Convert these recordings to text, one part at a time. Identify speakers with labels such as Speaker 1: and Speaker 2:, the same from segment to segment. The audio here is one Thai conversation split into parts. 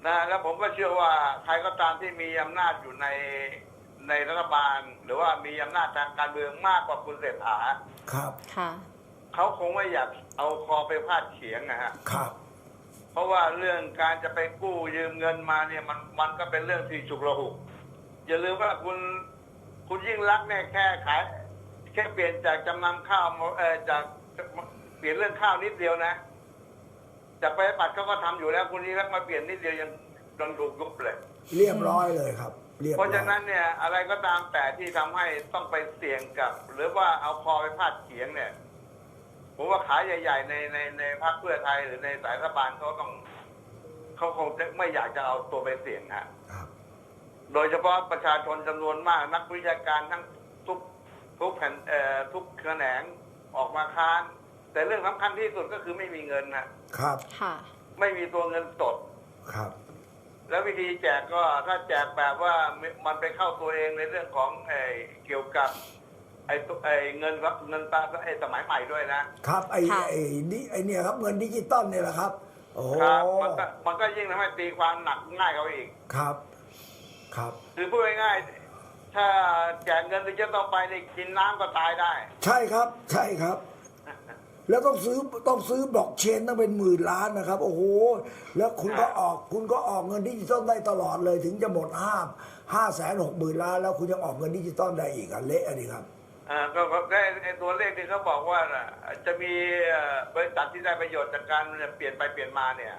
Speaker 1: นะแล้วผมก็เชื่อว่าใครก็ตามที่มีอำนาจอยู่ในรัฐบาล หรือว่ามีอำนาจทางการเมืองมากกว่าคุณเศรษฐา
Speaker 2: ครับ
Speaker 3: ค่ะ
Speaker 1: เขาคงไม่อยากเอาคอไปพาดเฉียงนะฮะ
Speaker 2: ครับ
Speaker 1: เพราะว่าเรื่องการจะไปกู้ยืมเงินมาเนี่ยมันก็เป็นเรื่องที่ฉุกละหุกอย่าลืมว่าคุณยิ่งรักษณ์เนี่ยแค่ขายแค่เปลี่ยนจากจำนำข้าวจากเปลี่ยนเรื่องข้าวนิดเดียวนะจากไปบัตรเขาก็ทำอยู่แล้วคุณยิ่งรักษณ์มาเปลี่ยนนิดเดียวยังโดนถูกยุบเลย
Speaker 2: เรียบร้อยเลยครับเรียบร้อย
Speaker 1: เพราะฉะนั้นเนี่ยอะไรก็ตามแต่ที่ทำให้ต้องไปเสี่ยงกับ หรือว่าเอาคอไปพาดเขียงเนี่ยผมว่าขาใหญ่ๆในพรรคเพื่อไทยหรือในสายรัฐบาลเขาคงจะไม่อยากจะเอาตัวไปเสี่ยงฮะโดยเฉพาะประชาชนจำนวนมากนักวิชาการทั้งทุกแผ่นทุกแขนงออกมาค้านแต่เรื่องสำคัญที่สุดก็คือไม่มีเงินนะครับ
Speaker 3: ค่ะ
Speaker 1: ไม่มีตัวเงินสด
Speaker 2: ครับ
Speaker 1: แล้ววิธีแจกก็ถ้าแจกแบบว่ามันไปเข้าตัวเองในเรื่องของเกี่ยวกับเงินครับเงินตาสมัยใหม่ด้วยนะครับ
Speaker 2: เนี่ยครับเงินดิจิตอลเนี่ยแหละครับโอ้
Speaker 1: ครับมันก็ยิ่งทำให้ตีความหนักง่ายเขาอีก
Speaker 2: ครับครับ
Speaker 1: คือพูดง่ายๆถ้าแจกเงินดิจิตอลไปในกินน้ำก็ตายได้
Speaker 2: ใช่ครับใช่ครับแล้วต้องซื้อบล็อกเชนต้องเป็นหมื่นล้านนะครับโอ้โหแล้วคุณก็ออกเงินดิจิตอลได้ตลอดเลยถึงจะหมด560,000 ล้านแล้วคุณยังออกเงินดิจิตอลได้อีกเละอันนี้ครับ
Speaker 1: ก็ได้ตัวเลขที่เขาบอกว่าจะมีบริษัทที่ได้ประโยชน์จากการเปลี่ยนไปเปลี่ยนมาเนี่ย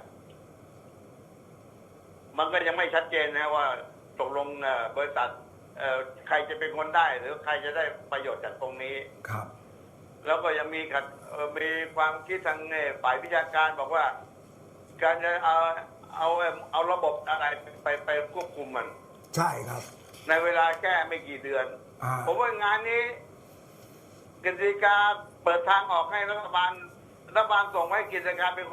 Speaker 1: มันก็ยังไม่ชัดเจนนะว่าตกลงบริษัทใครจะเป็นคนได้หรือใครจะได้ประโยชน์จากตรงนี้
Speaker 2: ครับ
Speaker 1: แล้วก็ยังมีความคิดทางฝ่ายวิชาการบอกว่าการจะเอาระบบอะไรไปควบคุมมัน
Speaker 2: ใช่ครับ
Speaker 1: ในเวลาแค่ไม่กี่เดือนผมว่างานนี้กฤษฎีกาเปิดทางออกให้รัฐบาลส่งให้กฤษฎีกาเป็น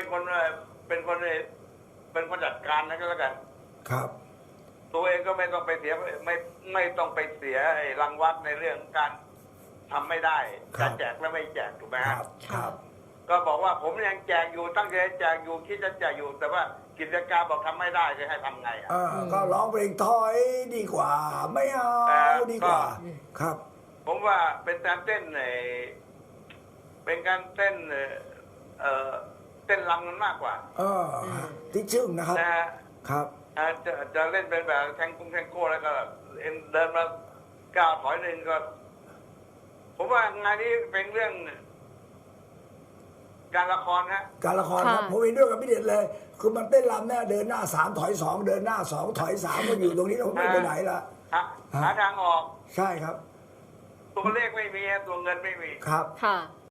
Speaker 1: คนจัดการนะก็แล้วกัน
Speaker 2: ครับ
Speaker 1: ตัวเองก็ไม่ต้องไปเสียไม่ต้องไปเสียรังวัดในเรื่องการทำไม่ได้จะแจกและไม่แจกถูกไหม
Speaker 2: ครับ
Speaker 1: ก็บอกว่าผมยังแจกอยู่ตั้งใจแจกอยู่คิดจะแจกอยู่แต่ว่ากิจการบอกทำไม่ได้จะให้ทำไง
Speaker 2: ก็ร้องเพลงถอยดีกว่าไม่เอาดีกว่าครับ
Speaker 1: ผมว่าเป็นการเต้นเป็นการเต้นเต้นรำกันมากกว่า
Speaker 2: ที่ชื่อนะครับครับ
Speaker 1: จะเล่นเป็นแบบแทงโก้แล้วก็เดินมาก้าวถอยหนึ่งก็ผมว่างานนี้เป็นเรื่องการละคร
Speaker 2: การละครครับผมเห็นด้วยกับพี่เด็ดเลยคือมันเต้นรำเนี่ยเดินหน้า3ถอย2เดินหน้า2ถอย3ก็อยู่ตรงนี้เราไม่ไปไหนละ
Speaker 1: หาทางออก
Speaker 2: ใช่ครับ
Speaker 1: ตัวเลขไม่มีตัวเงินไม่มี
Speaker 2: ครับ
Speaker 3: ค่ะ